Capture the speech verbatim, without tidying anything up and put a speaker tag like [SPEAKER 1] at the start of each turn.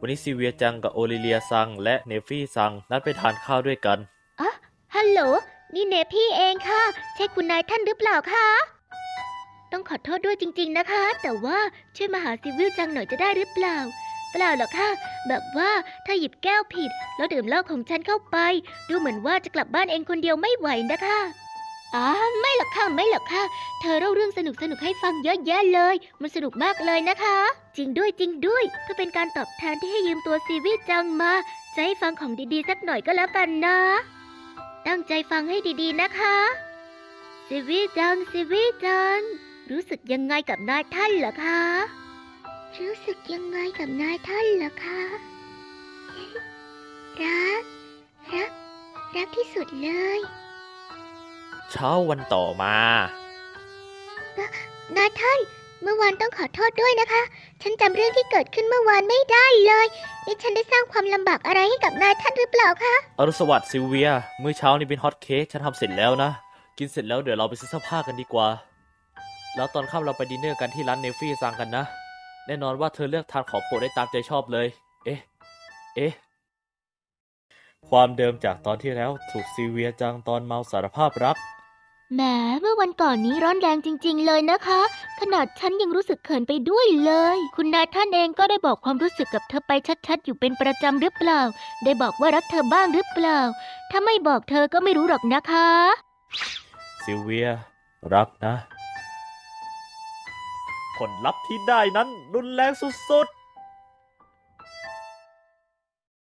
[SPEAKER 1] วันนี้ซิเวียจังกับโอลิเลียซังและเนฟี่ซังนัดไปทานข้าวด้วยกัน
[SPEAKER 2] อ๋อฮัลโหลนี่เนพี่เองค่ะใช่คุณนายท่านหรือเปล่าคะต้องขอโทษด้วยจริงๆนะคะแต่ว่าช่วยมาหาซิวิลจังหน่อยจะได้หรือเปล่าเปล่าหรอกค่ะแบบว่าถ้าหยิบแก้วผิดแล้วดื่มเหล้าของฉันเข้าไปดูเหมือนว่าจะกลับบ้านเองคนเดียวไม่ไหวนะคะอ๋อไม่หรอกค่ะไม่หรอกค่ะเธอเล่าเรื่องสนุกสนุกให้ฟังเยอะแยะเลยมันสนุกมากเลยนะคะจริงด้วยจริงด้วยเพื่อเป็นการตอบแทนที่ให้ยืมตัวซีวิลจังมาจะให้ฟังของดีๆสักหน่อยก็แล้วกันนะตั้งใจฟังให้ดีๆนะคะซีวิลจังซีวิลจังรู้สึกยังไงกับนายท่านเหรอคะรู้สึกยังไงกับนายท่านเหรอคะรักรักรักที่สุดเลย
[SPEAKER 1] เช้าวันต่อม
[SPEAKER 2] านายท่านเมื่อวานต้องขอโทษด้วยนะคะฉันจำเรื่องที่เกิดขึ้นเมื่อวานไม่ได้เลยนี่ฉันได้สร้างความลำบากอะไรให้กับนายท่านหรือเปล่าคะ
[SPEAKER 1] อรุณสวัสดิ์ซิลเวียมื้อเช้านี้เป็นฮอตเค้กฉันทำเสร็จแล้วนะกินเสร็จแล้วเดี๋ยวเราไปซื้อเสื้อผ้ากันดีกว่าแล้วตอนค่ำเราไปดินเนอร์กันที่ร้านเนฟี่ซังกันนะแน่นอนว่าเธอเลือกทานของโปรดได้ตามใจชอบเลยเอ๊ะเอ๊ะความเดิมจากตอนที่แล้วถูกซิลเวียจังตอนเมาสารภาพรัก
[SPEAKER 2] แหมเมื่อวันก่อนนี้ร้อนแรงจริงๆเลยนะคะขนาดฉันยังรู้สึกเขินไปด้วยเลยคุณนายท่านเองก็ได้บอกความรู้สึกกับเธอไปชัดๆอยู่เป็นประจำหรือเปล่าได้บอกว่ารักเธอบ้างหรือเปล่าถ้าไม่บอกเธอก็ไม่รู้หรอกนะคะ
[SPEAKER 1] ซิลเวียรักนะผลลัพธ์ที่ได้นั้นรุนแรงสุด